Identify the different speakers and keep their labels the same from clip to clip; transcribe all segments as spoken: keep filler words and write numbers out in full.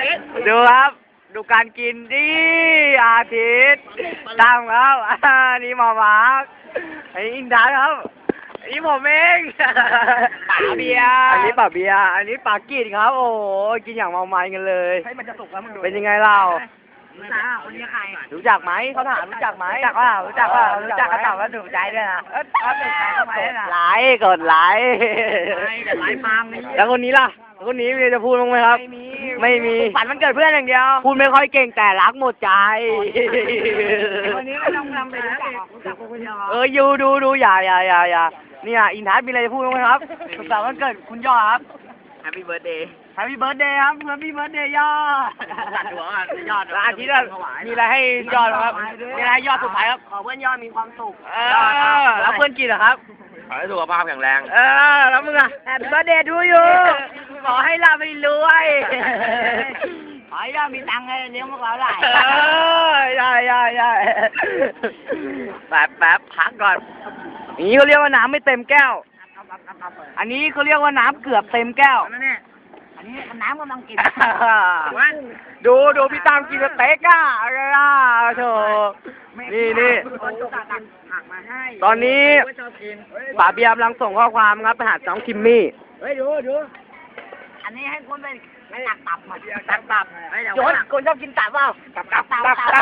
Speaker 1: ดูครับดูการกินดิอาทิตย์ตั้งครับอ่านี่หมอมาร์คอันนี้อินดาครับอันนี้ผมเองป่าเบียร์อันนี้ป่าเบียร์อันนี้ป่ากินครับโอ้โหกินอย่างเมามันกันเลยให้มันจะสุกแล้วมึงดูเป็นยังไงเล่า
Speaker 2: รู้จักคนนี้ใคร
Speaker 1: รู้จักไหมเขาถามรู้จักไหมรู้จักว่ารู้จักว่ารู้จักก็ตอบว่าถูกใจด้วยนะ
Speaker 2: เออเอาหนึ่งใครเข้าไปนะ
Speaker 1: ไลค์กดไลค์
Speaker 2: แต่ไลค์ฟังนี่
Speaker 1: แล้วคนนี้ล่ะคนนี้มีจะพูดบ้างไหมครับ
Speaker 2: ไม่มี
Speaker 1: ไม่มี
Speaker 2: ฝันมันเกิดเพื่อนอย่างเดียว
Speaker 1: พูดไม่ค่อยเก่งแต่รักหมดใจ
Speaker 2: คนนี้ไม่ต้องนำไปรู้จักรู้จักคนเดียว
Speaker 1: เอออยู่ดูดูอย่าอย่าอย่าอย่าเนี่ยอินทัศน์มีอะไรจะพูดบ้างไหมครับสุขสันต์วันเกิดคุณยอดครับ
Speaker 2: Happy Birthday
Speaker 1: Happy Birthday ครับ Happy Birthday ยอด
Speaker 2: ตัดหัวกันยอด
Speaker 1: อาทิตย์มีอะไรให้ยอดครับมีอะไรให้ยอดสุดท้ายครับ
Speaker 2: ขอเพื่อนยอดมีความสุข
Speaker 1: เออแล้วเพื่อนกินเหรอครับ
Speaker 3: ขอให้สุขภาพแข็งแรง
Speaker 1: เออแล้วมึงอะ Happy Birthday to you ขอให้ร่ำให้รวย
Speaker 2: ขอให้ยอดมีตังค์เลยเลี้ยงพวกเราได้
Speaker 1: เออใช่ใช่ใช่แป๊บแป๊บพักก่อนอย่างนี้เขาเรียกว่าน้ำไม่เต็มแก้วอันนี้เขาเรียกว่าน้ำเกือบเต็มแก้ว
Speaker 2: อันนี้น้ำกำลังกิน
Speaker 1: ดูดูพี่ตามกินสเต็กอ่ะอะไรอ่ะโธ่นี่นี่ตอนนี้ป๋าเบียร์กำลังส่งข้อความครับไปหาน้องคิมมี่
Speaker 2: เฮ้ยดูดูอันนี้ให้คนไปตักตับมาตักตับ
Speaker 1: โยนคนชอบกินตับเปล่า
Speaker 2: ตับตับตับตับ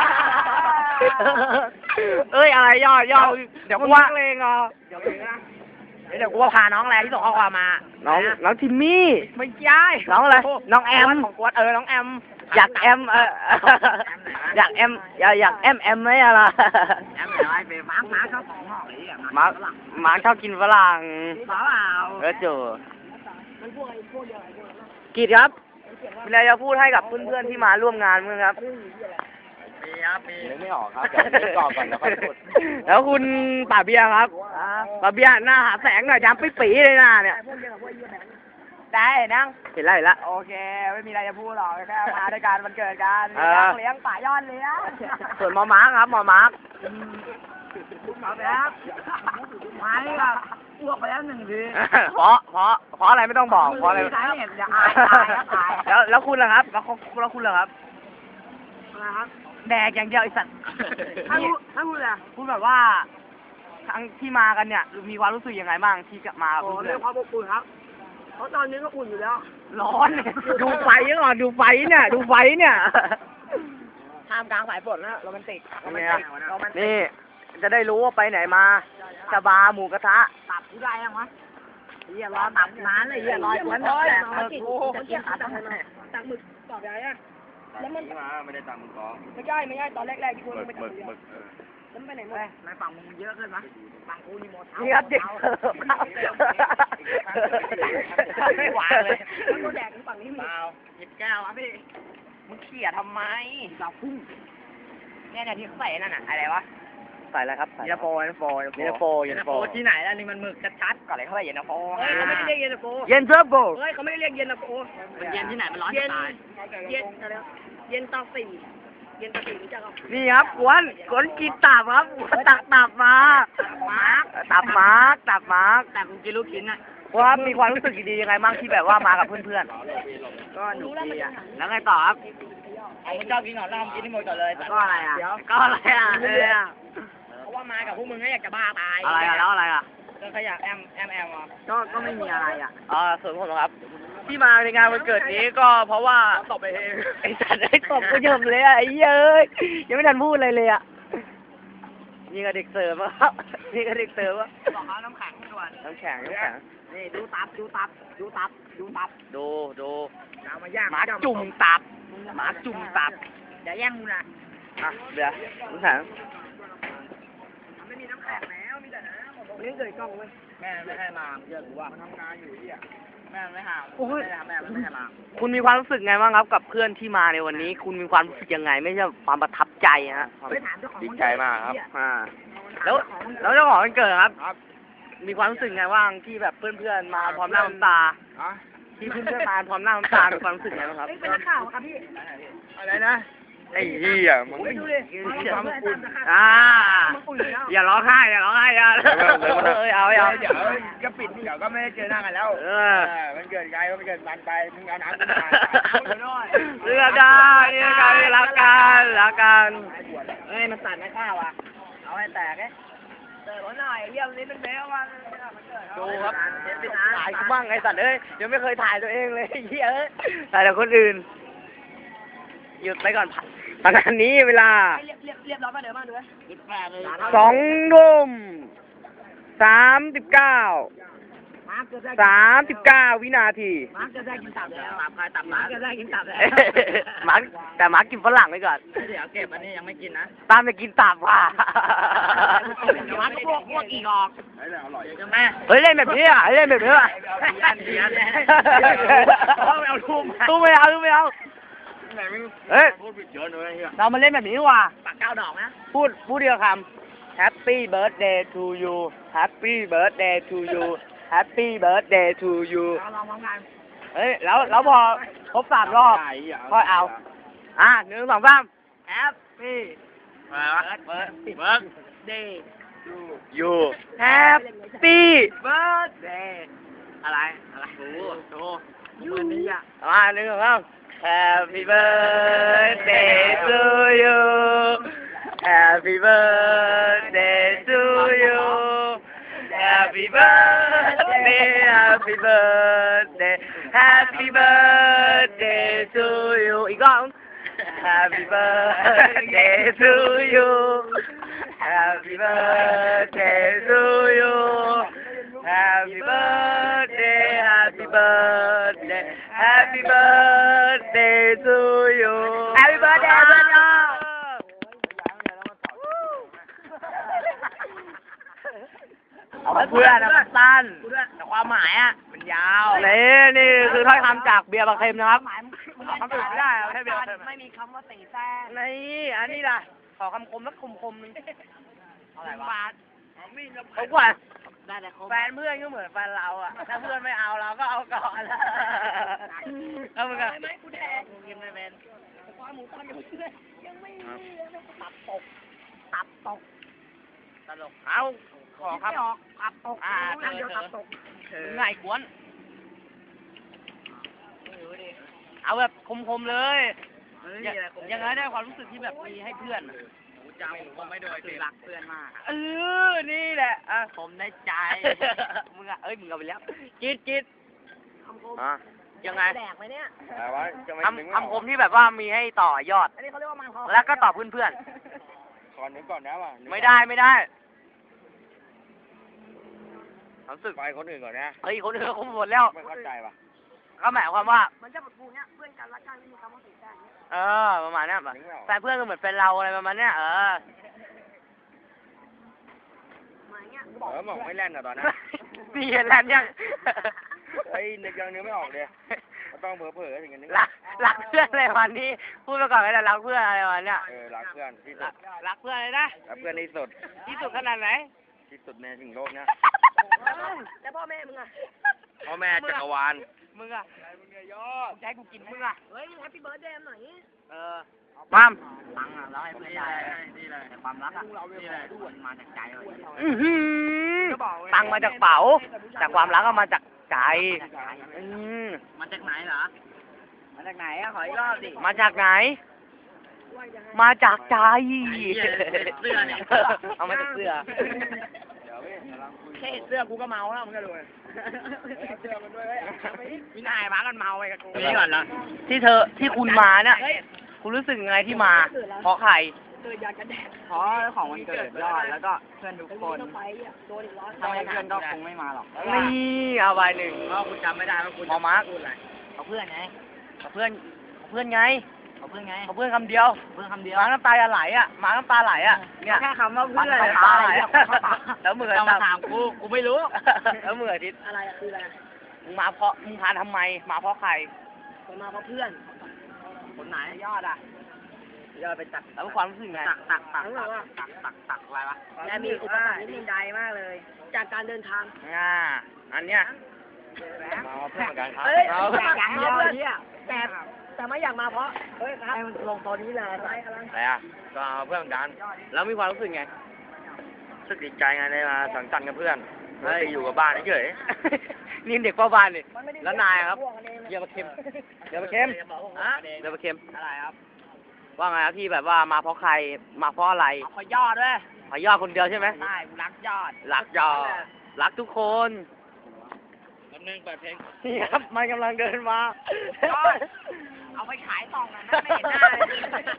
Speaker 1: เอ้ยอะไรยอดยอดเดี๋ยวกูว่าเองอ่ะ
Speaker 2: เดี๋ยวเดี๋ยวกูว่าพาน้องแลที่ส่งข้อความมา
Speaker 1: น้องน้องทิมมี่
Speaker 2: ไม่ใช่
Speaker 1: น้องอะไรน้องแอม
Speaker 2: ของกวดเออน้องแอม
Speaker 1: อยากแอมเอออยากแอมอยากอยากแอมแอมไหมอะไร
Speaker 2: แอมอะไรไปมาร์กมาร์กชอบของหอยอ่ะ
Speaker 1: มาร์กมาร์กชอบกินฝรั่ง
Speaker 2: เปล่า
Speaker 1: เออจู่กีดครับมีอะไรจะพูดให้กับเพื่อนๆที่มาร่วมงานมั้งครับ
Speaker 3: มีครับมีไม่ออกครับเดี๋ยวคิดก่อนก่อนแล้วค่อยพูด
Speaker 1: แล้วคุณป่าเบียร์ครับป่าเบียร์หน้าหาแสงหน่อยจำปิ๊ปีเลยหน้าเนี่ย
Speaker 2: ได้นั่ง
Speaker 1: เห็นไรละ
Speaker 2: โอเคไม่มีอะไรจะพูดหรอกแค่มาด้วยการวันเกิดกันเลี้ยงป่ายอดเลยนะ
Speaker 1: ส่วนหมอมาร์คครับหมอมาร์ค
Speaker 2: หมอแบบไม่ครับอ้วกไปแล้วหนึ่งที
Speaker 1: เพราะเพราะเพราะอะไรไม่ต้องบอกเพราะอะไรแล้วแล้วคุณล่ะครับแล้วแล้วคุณล่ะครับ
Speaker 2: นะครับ
Speaker 1: แดกอย่างเดียวไอ้สัตว์
Speaker 2: ถ้าพูดถ้าพูดอะไร
Speaker 1: พูดแบบว่าทั้งที่มากันเนี่ยมีความรู้สึกยังไงบ้างที่จะมา
Speaker 2: โอ้เรื่องความอบอุ่นครับเพราะตอนนี้ก็อุ่นอยู่แล้ว
Speaker 1: ร้อนดูไฟก่อนดูไฟเนี่ยดูไฟเนี่ย
Speaker 2: ท่ามกลางสายฝนนะโรแมนติกโรแมนติก
Speaker 1: นี่จะได้รู้ว่าไปไหนมาสบาหมูกระทะ
Speaker 2: ตับผู้ได้ยังวะเฮียรอตับนานเลยเฮียรอจนแบบแตกมึกจะกินตับตักหมึกตอบได้ยัง
Speaker 3: แล้วมันมาไม่ได้ตามมึงกอ
Speaker 2: ไม่ใช่ไม่ใช่ตอนแรกๆที่คุณไม่ตัด
Speaker 3: มึก
Speaker 2: แล้วไปไหนหมดนายฝั่งมึงเยอะขึ้นมั้ยฝั่งกูนี่หมด
Speaker 1: นี่ครับเด็ก
Speaker 2: ไม่หวานเลยแล้วก็แดกฝั่งนี้มีเปล่าหยิบแก้วอ่ะพี่มึงเขี่ยทำไมเราพุ่งเนี่ยเนี่ยที่ใส่นั่นน่ะอะไรวะ
Speaker 1: ใส่อะไรครับ
Speaker 2: เย็นตาโฟเย็นตาโฟ
Speaker 1: เย็นตาโฟ
Speaker 2: เย็นตาโฟที่ไหนล่ะนี่มันหมึกชัดๆก่อนเลยเข้าไปเย็นตาโฟเฮ้ยเขาไม่ได้เรียกเย็นตาโฟ
Speaker 1: เย็นตาโฟ
Speaker 2: เฮ้ยเขาไม่ได้เรียกเย็นตาโฟมันเย็นที่ไหนมันร้อนจะตายเย็นเย็นตาสี่เย็นตาสี่รู้จักป่ะ
Speaker 1: นี่ครับกวนกวนกินตับครับตักตับมาตับมาตับมา
Speaker 2: แต่กูกินลูกชิ้นอ่ะ
Speaker 1: ว่ามีความรู้สึกดียังไงบ้างที่แบบว่ามากับเพื่อน
Speaker 2: ๆก็หนุกดีอ่ะ
Speaker 1: แล้วไงต่อครับ
Speaker 2: ผมชอบกินหนอนล่ำกินที่หมดก่อนเลย
Speaker 1: ก็อะไรอ่ะก็อะไรอ่ะเนี่ย
Speaker 2: เพราะว่ามากับพวกมึงก็อยากจะบ้าตาย
Speaker 1: อะไรอ่ะแล้วอะไรอ่ะ
Speaker 2: ก็ขยะแอมแอมแอมอ่ะ
Speaker 1: ก็ก็ไม่มีอะไรอ่ะอ่าส่วนผมครับที่มาในงานวันเกิดนี้ก็เพราะว่า
Speaker 2: ตบไปเอง
Speaker 1: ไอ้สัตว์ไอ้ตบกูเยิมเลยอ่ะไอ้เย้ยยังไม่ทันพูดอะไรเลยอ่ะนี่ก็เด็กเสิร์ฟครับนี่ก็เด็กเสิร์ฟ
Speaker 2: ว่าบอกเขาน้ำแข็งด่วน
Speaker 1: น้ำแข็งน้ำแข็ง
Speaker 2: นี่ดูตับดูตับดูตับดูตับ
Speaker 1: ดูดู
Speaker 2: เอามาย่าง
Speaker 1: หมาจุ่มตับหมาจุ่มตับ
Speaker 2: อย่าแย่งกูนะ
Speaker 1: อ่ะเดี๋ยวน้ำแข็ง
Speaker 2: ไม่มีน้ำแข็งแล้วมีแต่น้ำนี่เกิดกล้องเว้ยแม่ไม่ให้มาเยอะกูว่ามันทำงานอยู่ที่อ่ะแม่ไม่หาไม่ได้แม่ไม่ให้มา
Speaker 1: คุณมีความรู้สึกไงบ้างครับกับเพื่อนที่มาในวันนี้คุณมีความรู้สึกยังไงไม่ใช่ความประทับใจฮะ
Speaker 3: ดีใจมากครับ
Speaker 1: อ่าแล้วแล้วเจ้าของวันเกิดครับมีความรู้สึกไงบ้างที่แบบเพื่อนๆมาพร้อมหน้าพร้อมตาที่เพื่อนๆมาพร้อมหน้าพร้อมตามีความรู้สึกไงบ้างครับ
Speaker 2: เป็นนักข่าวครับพี่
Speaker 3: อะไรนะไอ้เหี้ยมึง
Speaker 1: อ่าอย่าร้องไห้อย่าร้องไห้อย่าเอ้ยเอาเอา
Speaker 3: เดี๋ยวก็ปิดเดี๋ยวก็ไม่ได้เจอหน้ากันแล้วเออมันเกิดไกลก็มันเกิดมันไปมึงเอาน้ำมา
Speaker 1: กัน
Speaker 2: เอ้ยมันสั่นไม่ข้าวอ่ะเอาให้แตกเอ้เติมหน่อยเยี่ยมนี้เป็นเบลวัน
Speaker 1: ดูครับถ่ายกูบ้างไอ้สัตว์เอ้ยยังไม่เคยถ่ายตัวเองเลยเหี้ยเอ้ยถ่ายแต่คนอื่นหยุดไปก่อนตอนนี้เวลา
Speaker 2: เรียบเรียบเรียบร้อยมาเดี๋ยวมาดูไหมยิบแปดเลย
Speaker 1: สองทุ่มสามสิบเก้า
Speaker 2: มาร์คจะได้
Speaker 1: สามสิบเก้าวินาที
Speaker 2: มาร์คจะได้กินตับแล้วตับใครตับมาร์คจะได้กินตับแล้ว
Speaker 1: หมาแต่หมากินฝรั่งไปก่อน
Speaker 2: เดี๋ยวเก็บอันนี้ยังไม่กินนะ
Speaker 1: ตามไปกินตับว่ะ
Speaker 2: มาร์คพวกพวกอีกออก
Speaker 3: ไอ้เนี่ยอร่อย
Speaker 2: เดี๋ยวแม่
Speaker 1: เฮ้ยเล่นแบบนี้อ่ะเล่นแบบนี้อ่ะ
Speaker 2: ยันยัน
Speaker 1: ไม่เอาทุ่มทุ่มไม่เอาทุ่มไม่เอา
Speaker 3: ไหนมึง
Speaker 1: เฮ้ย
Speaker 3: พูดผิดเยอะเลยเฮีย
Speaker 1: เรามาเล่นแบบนี้ดีกว่า
Speaker 2: ปากเก้าดอกนะ
Speaker 1: พูดพูดเดียวคำ Happy birthday to you Happy birthday to you Happy birthday to you
Speaker 2: เราลองพร้อมกัน
Speaker 1: เฮ้ยแล้วแล้วพอครบสามรอบค่อยเอา อ่ะหนึ่งสองสาม
Speaker 2: แอปปี้
Speaker 3: อะไรวะ
Speaker 2: เบิร์ด
Speaker 3: เบิร์ก
Speaker 2: เดย์
Speaker 1: you Happy
Speaker 2: เบิร์ดเดย์อะไรอะไรโอ้โหวันนี้อ่ะ
Speaker 1: มาหนึ่งสองสาม Happy birthday to you Happy birthday to you Happy birthday Happy birthday Happy birthday to you อีกรอบ Happy birthday to you Happy birthday to you Happy birthday Happy birthday Happy birthday to you Happy birthday เพื่อนน้องเพื่อนนะมันสั้น
Speaker 2: แต่ความหมายอ่ะมันยาว
Speaker 1: นี่นี่คือถ้อยคำจากเบียร์บางเค็มนะครับคำอื่นไม่ได้เอาแค่เบียร์บางเค็ม
Speaker 2: ไม่มีคำว่าตีแซ่
Speaker 1: นี่อันนี้ล่ะขอคำคมสักคมคมๆหนึง
Speaker 2: อะไรวะ
Speaker 1: เขากว่า
Speaker 2: ได้แต่คม
Speaker 1: แฟนเพื่อนก็เหมือนแฟนเราอ่ะถ้าเพื่อนไม่เอาเราก็เอาก่อนเอาเหมือนกัน
Speaker 2: ไม่กูแดงกินไม่เป็นความหมูตอนยังไม่ยังไม่ตับตกตับตก
Speaker 1: ตลกเอาขอครับ
Speaker 2: ไม่ออกตับตก
Speaker 1: อ่า
Speaker 2: นั่งเดียวตับตก
Speaker 1: ง่ายกวนเอาแบบคมๆเลยอย่าอย่างนั้นได้ความรู้สึกที่แบบมีให้เพื่อนอะ
Speaker 2: จำผมไม่โดยคือรักเพื่อนมาก
Speaker 1: เออนี่แหละอ่ะ
Speaker 2: ผมได้ใจ
Speaker 1: มึงอ่ะเอ้ยมึงเอาไปแล้วกิดกิด
Speaker 2: คำคม
Speaker 1: อ่ะยังไง
Speaker 2: แดกไหมเนี่ย
Speaker 3: อะไรวะจะไม่นึก
Speaker 1: คำคำคมที่แบบว่ามีให้ต่อยอด
Speaker 2: อันนี้เขาเรียกว่ามันคอ
Speaker 1: แล้วก็ตอบเพื่อน
Speaker 3: ก่อนนึกก่อนนะว่ะ
Speaker 1: ๆไม่ได้ไม่ได้รู้สึก
Speaker 3: ไปคนอื่นก่อนนะ
Speaker 1: เฮ้ยคนอื่นเขาหมดแล้ว
Speaker 3: ไม่เข้าใจป่ะ
Speaker 1: ก็หมายความว่า
Speaker 2: มันจะแบบกูเนี้ยเพื่อนกันรักกันไม่มีคำว่าตีแซ่
Speaker 1: เออประมาณเนี้ยแบบแฟนเพื่อนก็เหมือนแฟนเราอะไรประมาณเนี้ยเออ
Speaker 2: มาเงี้ย
Speaker 3: เออบอกไม่แล่นอ่ะตอนนั้น
Speaker 1: มีเห็นแล้วยัง
Speaker 3: ไอ้นึกยังนึกไม่ออกเลยก็ต้องเผลอเผลอถึงกันนึก
Speaker 1: รักรักเพื่อนอะไรวันนี้พูดไปก่อนก็ได้รักเพื่อนอะไรวันเนี้ย
Speaker 3: เออรักเพื่อนที่สุ
Speaker 1: รั
Speaker 3: ด
Speaker 1: กรักเพื่อนเลยนะ
Speaker 3: รักเพื่อนที่สุด
Speaker 1: ที่สุดขนาดไหน
Speaker 3: ที่สุดในถึงโลกเนี้ย
Speaker 2: แล้วพ่อแม่มึงอ่ะ
Speaker 3: พ่อแม่จักรวาล
Speaker 1: มึงอะมึงจะให้กูกินมึงอะ
Speaker 2: เฮ้ยมึงแฮปปี้เบิร์ดเดย์หน่อย
Speaker 1: เออมัม
Speaker 2: ตังค์อ่ะแล้วให้เพื่อนได้นี่เลยแต่ความรักอ่ะนี่เลยมันมาจากใจเลย
Speaker 1: อื้อหือตังค์มาจากเป๋าแต่ความรักก็มาจากใจอืม
Speaker 2: มาจากไหนเหรอมาจากไหนอ่ะขออีกรอบดิ
Speaker 1: มาจากไหน มาจากใจ
Speaker 2: เสื้อเนี่ย
Speaker 1: เอามาจากเสื้อ
Speaker 2: แค่เสื้อกูก็เมาแล้วมึงก็ดูเสื้อมันด้วยวินัยมากันเมาไปกับกูนี่ก่อนละ
Speaker 1: ที่เธอที่คุณมาเนี่ยคุณรู้สึกยังไงที่มา เพราะใคร
Speaker 2: เพราะของวันเกิดยอดแล้วก็เพื่อนทุกคนถ้าไม่เพื่อนก็คงไม่มาหรอก
Speaker 1: นี่เอาไปหนึ่ง
Speaker 2: เพราะคุณจำไม่ได้ว่าคุณ
Speaker 1: หมอมาร์ค
Speaker 2: พูดอะไรเอาเพื่อนไง
Speaker 1: เอาเพื่อนเอาเพื่อนไง
Speaker 2: เอาเพื่อนไง
Speaker 1: เอาเพื่อนคำเดียว
Speaker 2: เพื่อนคำเดียว
Speaker 1: มาน้ำตาจะไหลอ่ะมาน้ำตาไหลอ่ะเนี่ย
Speaker 2: แค่คำว่าเพื่อน
Speaker 1: น้ำตาไหลอะแล้วมือ
Speaker 2: จะมาถามกูกูไม่รู้
Speaker 1: แล้วมืออาทิตย์
Speaker 2: อะไรคืออะไร
Speaker 1: มึงมาเพราะมึงพาทำไม มาเพราะใคร
Speaker 2: ผมมาเพราะเพื่อนคนไหนยอดอ่ะยอดไปตัก
Speaker 1: แล้วความรู้สึกไง
Speaker 2: ตักตักตักตักตักตักตักอะไรวะและมีอุปสรรคนิดนึงใดมากเลย จากการเดินทาง
Speaker 1: อ่าอันเนี้ย
Speaker 3: มาเพื่อนกันครับ
Speaker 2: เฮ้ยอยากมาเพื่อนแต่แต่ไม่อยากมาเพราะเฮ้ยครับลงตอนนี้เลย
Speaker 3: อะไรอ่ะก็เอาเพื่อนกัน
Speaker 1: แล้วมีความรู้สึกไง
Speaker 3: รู้สึกดีใจไงได้มาสังสรรค์กับเพื่อนไม่ได้อยู่กับบ้านเฉย
Speaker 1: นี่เด็กเฝ้าบ้านนี่แล้วนายครับเยี่ยมมาเค็มเยี่ยมมาเค็ม
Speaker 2: ฮะ
Speaker 1: เยี่ยมมาเค็ม
Speaker 2: อะไรครับ
Speaker 3: ว่าไงครับที่แบบว่ามาเพราะใคร มาเพราะอะไร
Speaker 2: เอาขอยอดด้วย
Speaker 3: ขอยอดคนเดียวใช่ไหม
Speaker 2: ใช่กูรักยอด
Speaker 3: รักยอดรักทุกคนแป๊บนึงเปิดเพลงนี่ครับมันกำลังเดินมา
Speaker 2: ยอด เอาไปขายต่องนะไม่เห็นหน้าเลย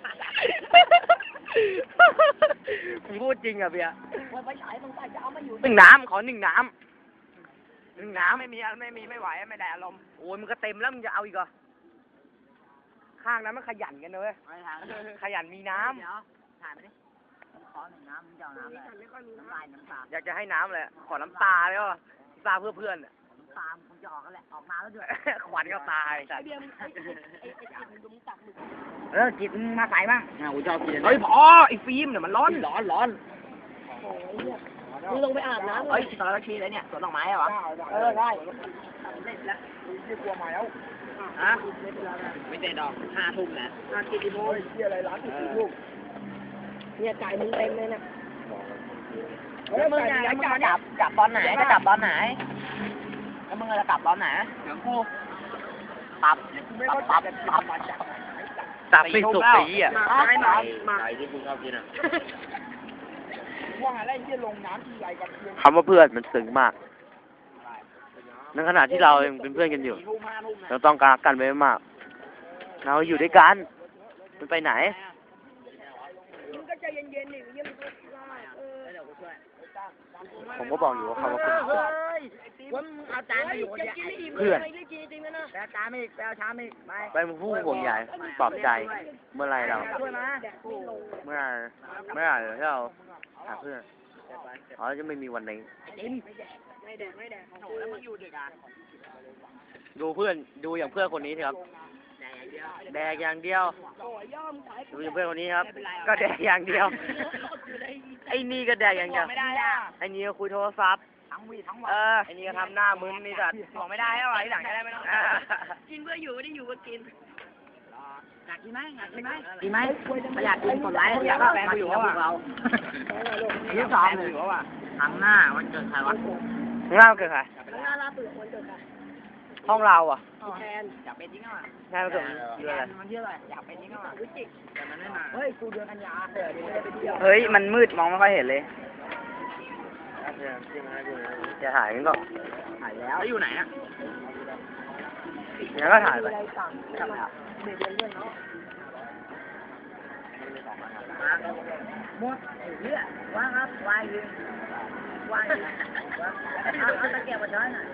Speaker 3: ผมพูดจริงอ่ะเบียร์
Speaker 2: ว่าไปขายตรงใต้จะเอามาอยู่
Speaker 3: หนึ่งน้ำขอหนึ่งน้ำหนึ่งน้ำ
Speaker 2: ไม่มีไม่มีไม่ไหวไม่ได้อารมณ์
Speaker 3: โอ้ยมันก็เต็มแล้วมึงจะเอาอีกเหรอข้างนั้นมันขยันกันนะเว้ย
Speaker 2: ไม่ทาง
Speaker 3: ขยันมีน้ำ
Speaker 2: เดี๋ยวถ่ายไปดิขอหนึ่งน้ำมึงจะเอาน้ำอะไรน้ำลายน้ำตา
Speaker 3: อยากจะให้น้ำเลยขอน้ำตาเลยว่ะน้ำตาเพื่อเพื่อนอะ
Speaker 2: น้ำตามึงจะออกกันแหละออกมาแล้วด้วย
Speaker 3: ขวัญก็ตาย
Speaker 2: ไอเบียร์มึงไอไอไอจิตมึงดูมึงตักมึงเออจิตมึงมาใส่บ้าง
Speaker 3: อ่ะกูชอบกิน
Speaker 2: เฮ้ยพอไอฟิล์มเนี่ยมันร้อนร้อนร้อน
Speaker 1: มึงลงไปอาบน้ำ
Speaker 2: เฮ้ยตอนละทีเลยเนี่ยสวนดอกไม้เหรอ
Speaker 1: เออได้
Speaker 2: ไม่กลัวมาแล้วฮะไม่เตะดอกห้าทุ่มนะห้ากี่โมง
Speaker 1: เนี่ยจ่ายมึงเต็มเลยนะ
Speaker 2: แล้วมึงเนี่ยแล้วมึงจะกลับกลับตอนไหนจะกลับตอนไหนแล้วมึงจะกลับตอนไหนเดี๋ยวกูปรับปรับปรับปรับ
Speaker 3: ตับไม่สุกสีอ่ะ
Speaker 2: ไม่มามา
Speaker 3: ไก่ที่คุณชอบกินอ่ะ
Speaker 2: ว่าอะไรที่ลงน้ำที่ใหญ่กัน
Speaker 3: คำว่าเพื่อนมันซึ้งมากในขณะที่เรายังเป็นเพื่อนกันอยู่
Speaker 2: ทุ่มห้าทุ่ม
Speaker 3: เราต้องการกันไว้มาก เราอยู่ด้วยกันมันไปไหน
Speaker 1: มึงก็ใจเย็นๆดิมึงยังไม่ได้เออ
Speaker 2: เดี๋ยวกูช่วย
Speaker 3: ผมก็บอกอยู่ว่าเขาว่าเป็น
Speaker 2: เฮ้ยว่ามึงเอาจานมาอยู่คน
Speaker 1: จะ
Speaker 2: เดียว
Speaker 1: กินไม่อิ่ม
Speaker 3: เพื่อน
Speaker 1: ไม่ได้กินจริงๆนะนะ
Speaker 2: แปลจานไม่อีกแปลชามไม่อีกไป
Speaker 3: ไปมึงพูดห่วงใหญ่ปลอบใจ เมื่อไรเรา
Speaker 2: ช่วยมา
Speaker 3: เมื่อไหร่เมื่อไหร่ที่เราหาเพื่อนอ๋อจะไม่มีวันนี้
Speaker 2: จิ้ม
Speaker 1: ไม่แดกไม่แดก
Speaker 2: โอ้แล้วมึงอยู่ดึกอ่ะ
Speaker 3: ดูเพื่อนดูอย่างเพื่อนคนนี้สิครับ แดกอย่างเดียว
Speaker 1: โอ้ยย่อมขาย
Speaker 3: ดูอย่างเพื่อนคนนี้ครับ ก็แดกอย่างเดียว ไอ้นี่ก็แดกอย่างเดียว
Speaker 2: ไม่ได้อ่ะ
Speaker 3: ไอ้นี่ก็คุยโทรศัพท์
Speaker 2: ทั้งวีทั้งวั
Speaker 3: เอน อไอ้นี่ก็ทำหน้ามึนนี่สัตว์
Speaker 2: บอกไม่ได้แล้วอ่ะที่หลังจะได้ไม่ต้อง
Speaker 1: กินเพื่ออยู่ไม่ได้อยู่เพื่อกิน
Speaker 2: อยากกินไหมอยากกินไหมกินไหมไม่อยากกินกดไลค์อยากแฟนกูอยู่กับพวกเราที่สองเลยครั้งหน้าวันเกิดใครวะ
Speaker 3: เล่าเกิดใคร
Speaker 1: หน้าลาเปิดคนเกิดค่ะ
Speaker 3: ห้องเราอ่ะ
Speaker 1: แทน
Speaker 2: อยากเป็นจริงอ่ะ
Speaker 3: งานมันเกิดเดือนอะไร
Speaker 2: มันเยอะเลยอยากเป็นจริงอ่ะแต่มันไม่มาเฮ้ยกูเดือนกันยาเดี๋ยวจะไปเที่ยว
Speaker 3: เฮ้ยมันมืดมองไม่ค่อยเห็นเลยจะถ่ายกันก็
Speaker 2: ถ่ายแล้วอยู่ไหนอ่ะ
Speaker 3: งั้นก็ถ่ายไป
Speaker 2: ทำไมอ่ะหมดเรื่องว่างครับวายยิงวายยิงเอาเอาตะเกียบมาช้อนหน่อย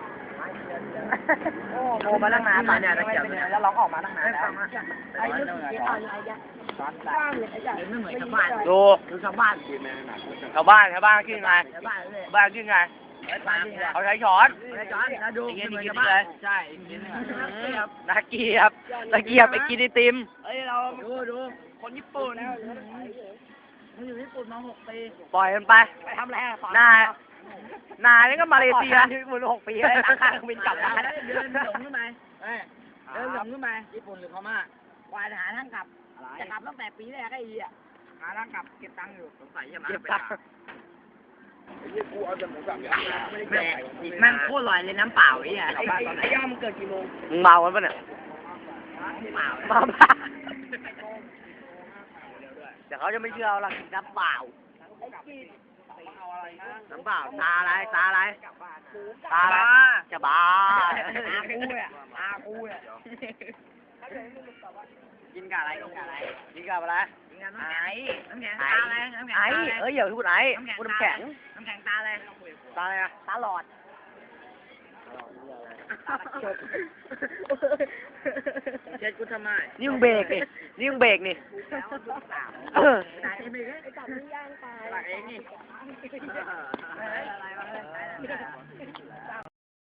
Speaker 2: โอ้โมมาตั้งนานตอนเนี่ยตะเกียบแล้วร้องออกมาตั้งนานแล้วไอ้เรื่องที่อ่านอะไรกันบ้านเลยไอ้ใหญ่ไม่เหมือนชาวบ้าน
Speaker 3: ดู
Speaker 2: ดูชาวบ้าน
Speaker 3: ชาวบ้านชาวบ้านขึ้นไง
Speaker 2: ชาวบ้านเลย
Speaker 3: บ้านขึ้นไง
Speaker 2: บ้านเลย
Speaker 3: เขาใช้ช้อน
Speaker 2: ไอ้จอนแล้วดู
Speaker 3: ไอ้เงี้ย
Speaker 2: เหมือน
Speaker 3: นี่
Speaker 2: ชาวบ้าน
Speaker 3: เลย
Speaker 2: ใช่นี่ครับ
Speaker 3: นักเกียบตะเกียบไปกินไอติม
Speaker 2: เอ้ยเราดูดูคนญี่ปุ่นมันอยู่ญี่ปุ่นมาหกปี
Speaker 3: ปล่อยมันไป
Speaker 2: ไปทำอะไรอ่ะ
Speaker 3: หน้าหน้านี่ก็มาเลเซียที่มันหกปีแล้วตั้งค่าเครื่องบินกลับมา
Speaker 2: เดินหลงขึ้นไปเดินหลงขึ้นไปญี่ปุ่นหรือพม่าวายหาทางกลับ จะกลับตั้งแต่ปีแรกไอ้อีอ่ะหาทางกลับเก็บตังค์อยู่สงสัยจะมา
Speaker 3: เก็บตังค์
Speaker 2: แม่แม่งโคตรลอยเลยน้ำเปล่าไอ้อ่ะ
Speaker 1: ไอ้ไอ้ย่อมเกิดกี่โมง
Speaker 3: มึงเมากันปะเนี่ย
Speaker 2: เปล่า
Speaker 3: เมาบ้าเดี๋ยวเขาจะไม่เชื่อเราหรอกน้ำเปล่า น้ำเปล่าตาอะไรตาอะไรตาอะไรจะบ้า
Speaker 2: อากูอ่ะอากูอ่ะกินกับอะไรกินกับอะไร
Speaker 3: กินกับอะไร
Speaker 2: กินกับน้ำแข็งน้ำแข็ง
Speaker 3: ไอ้
Speaker 2: ตาอะไรน้ำแข็ง
Speaker 3: ไอ้
Speaker 2: ตาอะไร
Speaker 3: เอ้ยอย่าพูดไอ้พูดน้ำแข็ง
Speaker 2: น้ำแข็งตาอะไร
Speaker 3: ตาอะไรอะ
Speaker 2: ตาหลอด เช็ดกูทำไม
Speaker 3: นี่มึงเบรกนี่นี่มึงเบรกนี่
Speaker 2: แล้วดูสาว
Speaker 3: เออ
Speaker 2: ตาเอ็มเอง
Speaker 1: ไอ้จับนี่ย่างตาย
Speaker 2: ตาเองนี่อะไรวะ